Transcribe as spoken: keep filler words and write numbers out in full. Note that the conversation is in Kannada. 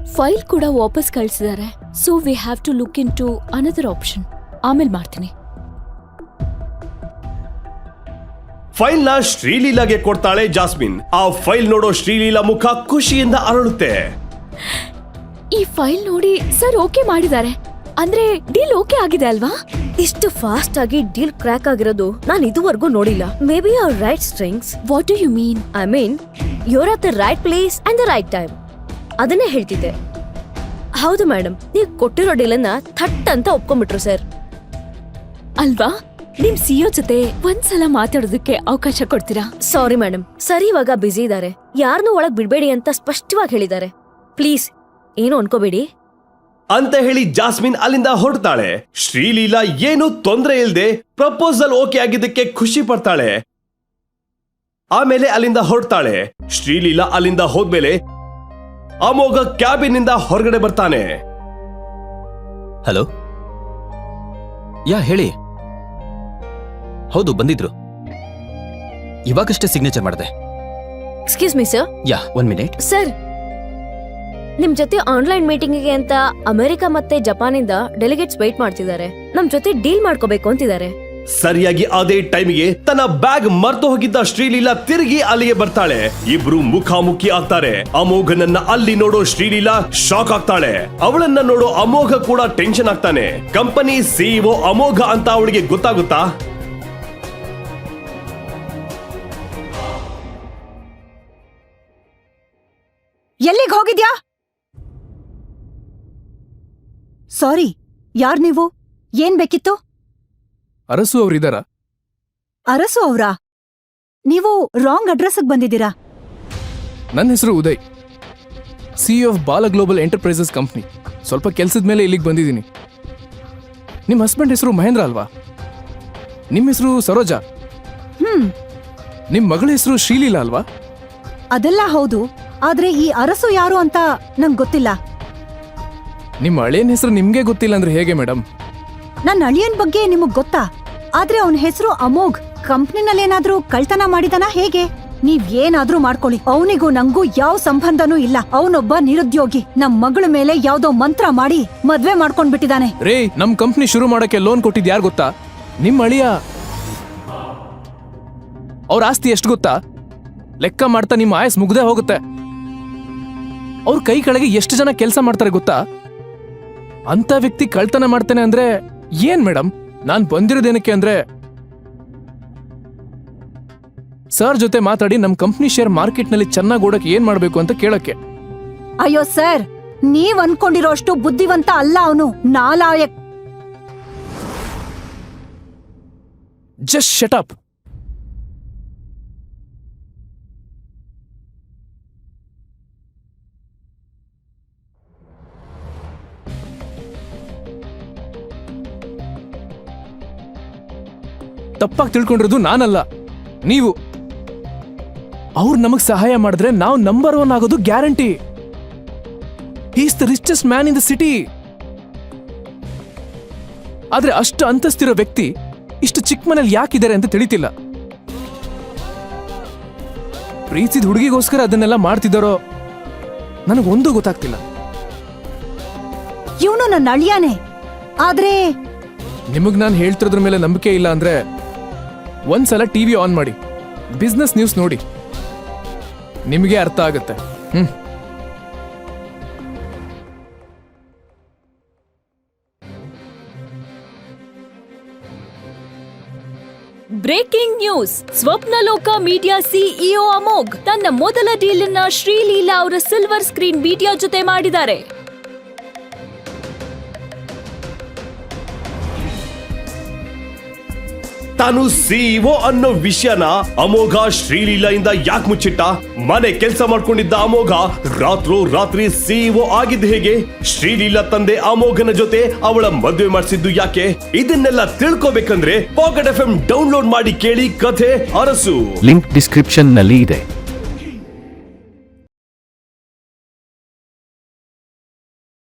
ಫೈಲ್ ಕೂಡ ವಾಪಸ್ ಕಳಿಸಿದ್ದಾರೆ. So we have to look into another option. ಆಮೇಲೆ ಮಾಡ್ತೀನಿ. ಫೈಲ್ ನ ಶ್ರೀಲೀಲಾಗೆ ಕೊಡ್ತಾಳೆ ಜಾಸ್ಮಿನ್. ಆ ಫೈಲ್ ನೋಡೋ ಶ್ರೀಲೀಲಾ ಮುಖ ಖುಷಿಯಿಂದ ಅರಳುತ್ತೆ. ಈ ಫೈಲ್ ನೋಡಿ ಸರ್ ಓಕೆ ಮಾಡಿದ್ದಾರೆ ಅಂದ್ರೆ ಡೀಲ್ ಓಕೆ ಆಗಿದೆ ಅಲ್ವಾ? ಇಷ್ಟು ಫಾಸ್ಟ್ ಆಗಿ ಡೀಲ್ ಕ್ರ್ಯಾಕ್ ಆಗಿರೋದು ನಾನು ಇದುವರೆಗೂ ನೋಡಿಲ್ಲ. Maybe are right strings. What do you mean? I mean you're at the right place and the right time. ಅದನ್ನೇ ಹೇಳ್ತಿದ್ದೆ. ಹೌದು ಮೇಡಮ್, ನೀವು ಕೊಟ್ಟಿರೋ ಡೀಲನ್ನ ಥಟ್ ಅಂತ ಒಪ್ಕೊಂಡ್ಬಿಟ್ರು ಸರ್. ಅಲ್ವಾ? ನಿಮ್ ಸಿಒ ಜೊತೆ ಒಂದ್ಸಲ ಮಾತಾಡೋದಕ್ಕೆ ಅವಕಾಶ ಕೊಡ್ತೀರಾ? ಸಾರಿ ಮೇಡಮ್, ಸರಿ ಇವಾಗ ಬಿಸಿ ಇದಾರೆ. ಯಾರನ್ನೂ ಒಳಗ್ ಬಿಡ್ಬೇಡಿ ಅಂತ ಸ್ಪಷ್ಟವಾಗಿ ಹೇಳಿದ್ದಾರೆ. ಪ್ಲೀಸ್ ಏನು ಅನ್ಕೋಬೇಡಿ ಅಂತ ಹೇಳಿ ಜಾಸ್ಮಿನ್ ಅಲ್ಲಿಂದ ಹೊರಡ್ತಾಳೆ. ಶ್ರೀಲೀಲಾ ಏನು ತೊಂದರೆ ಇಲ್ಲದೆ ಪ್ರಪೋಸಲ್ ಓಕೆ ಆಗಿದ್ದಕ್ಕೆ ಖುಷಿ ಪಡ್ತಾಳೆ. ಆಮೇಲೆ ಅಲ್ಲಿಂದ ಹೊರಡ್ತಾಳೆ. ಶ್ರೀಲೀಲಾ ಅಲ್ಲಿಂದ ಹೋದ್ಮೇಲೆ ಅಮೋಘ ಕ್ಯಾಬಿನ್ ಇಂದ ಹೊರಗಡೆ ಬರ್ತಾನೆ. ಹಲೋ, ಯಾ ಹೇಳಿ. ಹೌದು, ಬಂದಿದ್ರು. ಇವಾಗಷ್ಟೇ ಸಿಗ್ನೇಚರ್ ಮಾಡಿದೆ. Excuse me sir. Yeah, one minute. Sir, ನಿಮ್ ಜೊತೆ ಆನ್ಲೈನ್ ಮೀಟಿಂಗಿಗೆ ಅಂತ ಅಮೆರಿಕ ಮತ್ತೆ ಜಪಾನಿಂದ ಡೆಲಿಗೇಟ್ಸ್ ವೇಟ್ ಮಾಡ್ತಿದ್ದಾರೆ. ನಮ್ ಜೊತೆ ಡೀಲ್ ಮಾಡ್ಕೋಬೇಕು ಅಂತಿದ್ದಾರೆ. ಸರಿಯಾಗಿ ಅದೇ ಟೈಮಿಗೆ ತನ್ನ ಬ್ಯಾಗ್ ಮರ್ತು ಹೋಗಿದ್ದ ಶ್ರೀಲೀಲಾ ತಿರುಗಿ ಅಲ್ಲಿಗೆ ಬರ್ತಾಳೆ. ಇಬ್ರು ಮುಖಾಮುಖಿ ಆಗ್ತಾರೆ. ಅಮೋಘನನ್ನ ಅಲ್ಲಿ ನೋಡೋ ಶ್ರೀಲೀಲಾ ಶಾಕ್ ಆಗ್ತಾಳೆ. ಅವಳನ್ನ ನೋಡೋ ಅಮೋಘ ಕೂಡ ಟೆನ್ಷನ್ ಆಗ್ತಾನೆ. ಕಂಪನಿ ಸಿಇಒ ಅಮೋಘ ಅಂತ ಅವಳಿಗೆ ಗೊತ್ತಾಗುತ್ತಾ? ಎಲ್ಲಿಗೆ ಹೋಗಿದ್ಯಾ? ಸಾರಿ, ಯಾರ್ ನೀವು? ಏನ್ ಬೇಕಿತ್ತು? ಅರಸು ಅವರಿದಾರ? ಅರಸು ಅವ್ರಾ? ನೀವು ರಾಂಗ್ ಅಡ್ರೆಸ್ಗೆ ಬಂದಿದ್ದೀರಾ. ನನ್ನ ಹೆಸರು Uday, CEO of Bala global enterprises company. ಸ್ವಲ್ಪ ಕೆಲ್ಸದ ಮೇಲೆ ಇಲ್ಲಿಗೆ ಬಂದಿದ್ದೀನಿ. ನಿಮ್ಮ ಹಸ್ಬೆಂಡ್ ಹೆಸರು ಮಹೇಂದ್ರ ಅಲ್ವಾ? ನಿಮ್ಮ ಹೆಸರು ಸರೋಜಾ. ಹ್ಮ್, ನಿಮ್ಮ ಮಗಳ ಹೆಸರು ಶ್ರೀಲೀಲಾ ಅಲ್ವಾ? ಅದೆಲ್ಲ ಹೌದು, ಆದ್ರೆ ಈ ಅರಸು ಯಾರು ಅಂತ ನಂಗ್ ಗೊತ್ತಿಲ್ಲ. ನಿಮ್ಮ ಹಳೇನ್ ಹೆಸರು ನಿಮ್ಗೆ ಗೊತ್ತಿಲ್ಲ ಅಂದ್ರೆ ಹೇಗೆ ಮೇಡಮ್? ನನ್ನ ಅಳಿಯನ್ ಬಗ್ಗೆ ನಿಮಗ್ ಗೊತ್ತಾ? ಆದ್ರೆ ಅವನ ಹೆಸರು ಅಮೋಘ್. ಕಂಪ್ನಿನಲ್ಲೇನಾದ್ರೂ ಕಳ್ತನ ಮಾಡಿದನ ಹೇಗೆ? ನೀವ್ ಏನಾದ್ರೂ ಮಾಡ್ಕೊಳ್ಳಿ, ಅವನಿಗೂ ನಂಗೂ ಯಾವ ಸಂಬಂಧನೂ ಇಲ್ಲ. ಅವನೊಬ್ಬ ನಿರುದ್ಯೋಗಿ. ನಮ್ ಮಗಳ ಮೇಲೆ ಯಾವ್ದೋ ಮಂತ್ರ ಮಾಡಿ ಮದ್ವೆ ಮಾಡ್ಕೊಂಡ್ ಬಿಟ್ಟಿದಾನೆ. ರೇ, ನಮ್ ಕಂಪ್ನಿ ಶುರು ಮಾಡಕ್ಕೆ ಲೋನ್ ಕೊಟ್ಟಿದ್ ಯಾರು ಗೊತ್ತಾ? ನಿಮ್ ಅಳಿಯ. ಅವ್ರ ಆಸ್ತಿ ಎಷ್ಟು ಗೊತ್ತಾ? ಲೆಕ್ಕ ಮಾಡ್ತಾ ನಿಮ್ಮ ಆಯಸ್ ಮುಗ್ದೇ ಹೋಗುತ್ತೆ. ಅವ್ರ ಕೈ ಕೆಳಗೆ ಎಷ್ಟು ಜನ ಕೆಲಸ ಮಾಡ್ತಾರೆ ಗೊತ್ತಾ? ಅಂತ ವ್ಯಕ್ತಿ ಕಳ್ತನ ಮಾಡ್ತಾನೆ ಅಂದ್ರೆ ಏನ್ ಮೇಡಮ್? ನಾನ್ ಬಂದಿರೋದೇನಕ್ಕೆ ಅಂದ್ರೆ ಸರ್ ಜೊತೆ ಮಾತಾಡಿ ನಮ್ ಕಂಪ್ನಿ ಶೇರ್ ಮಾರ್ಕೆಟ್ ನಲ್ಲಿ ಚೆನ್ನಾಗಿ ಓಡಕ್ಕೆ ಏನ್ ಮಾಡ್ಬೇಕು ಅಂತ ಕೇಳಕ್ಕೆ. ಅಯ್ಯೋ ಸರ್, ನೀವ್ ಅನ್ಕೊಂಡಿರೋ ಅಷ್ಟು ಬುದ್ಧಿವಂತ ಅಲ್ಲ ಅವನು. ನಾಲಾಯಕ್. Just shut up. ತಪ್ಪಾಗಿ ತಿಳ್ಕೊಂಡಿರೋದು ನಾನಲ್ಲ, ನೀವು. ಅವ್ರು ನಮಗ್ ಸಹಾಯ ಮಾಡಿದ್ರೆ ನಾವು ನಂಬರ್ ಒನ್ ಆಗೋದು guarantee. Is the richest man in the city. ಆದ್ರೆ ಅಷ್ಟು ಅಂತಸ್ತಿರೋ ವ್ಯಕ್ತಿ ಇಷ್ಟು ಚಿಕ್ಕ ಮನೇಲಿ ಯಾಕಿದ್ದಾರೆ ಅಂತ ತಿಳಿತಿಲ್ಲ. ಪ್ರೀತಿಸಿದ ಹುಡುಗಿಗೋಸ್ಕರ ಅದನ್ನೆಲ್ಲ ಮಾಡ್ತಿದ್ದಾರೋ ನನಗೊಂದು ಗೊತ್ತಾಗ್ತಿಲ್ಲ. ಇವನು ನನ್ನ ಅಳಿಯಾನೆ. ಆದ್ರೆ ನಿಮಗ್ ನಾನು ಹೇಳ್ತಿರೋದ್ರ ಮೇಲೆ ನಂಬಿಕೆ ಇಲ್ಲ ಅಂದ್ರೆ ಒಂದ್ಸಲ ಟಿವಿ ಆನ್ ಮಾಡಿ, ಬಿಸ್ನೆಸ್ ನ್ಯೂಸ್ ನೋಡಿ, ನಿಮಗೆ ಅರ್ಥ ಆಗುತ್ತೆ. ಹ್ಮ್ breaking news. Swapnaloka media CEO Amogh ತನ್ನ ಮೊದಲ ಡೀಲ್ ಅನ್ನ ಶ್ರೀಲೀಲಾ ಅವರ ಸಿಲ್ವರ್ ಸ್ಕ್ರೀನ್ ಮೀಡಿಯಾ ಜೊತೆ ಮಾಡಿದ್ದಾರೆ. ತಾನು ಸಿಇಒ ಅನ್ನೋ ವಿಷಯನ ಅಮೋಘ ಶ್ರೀಲೀಲಾ ಇಂದ ಯಾಕೆ ಮುಚ್ಚಿಟ್ಟ? ಮನೆ ಕೆಲಸ ಮಾಡ್ಕೊಂಡಿದ್ದ ಅಮೋಘ ರಾತ್ರೋ ರಾತ್ರಿ ಸಿಇಒ ಆಗಿದ್ದ ಹೇಗೆ? ಶ್ರೀಲೀಲಾ ತಂದೆ ಅಮೋಘನ ಜೊತೆ ಅವಳ ಮದುವೆ ಮಾಡಿಸಿದ್ದು ಯಾಕೆ? ಇದನ್ನೆಲ್ಲ ತಿಳ್ಕೋಬೇಕಂದ್ರೆ ಪಾಕೆಟ್ ಎಫ್ ಎಂ ಡೌನ್ಲೋಡ್ ಮಾಡಿ ಕೇಳಿ ಕಥೆ ಅರಸು. ಲಿಂಕ್ ಡಿಸ್ಕ್ರಿಪ್ಷನ್ ನಲ್ಲಿ ಇದೆ.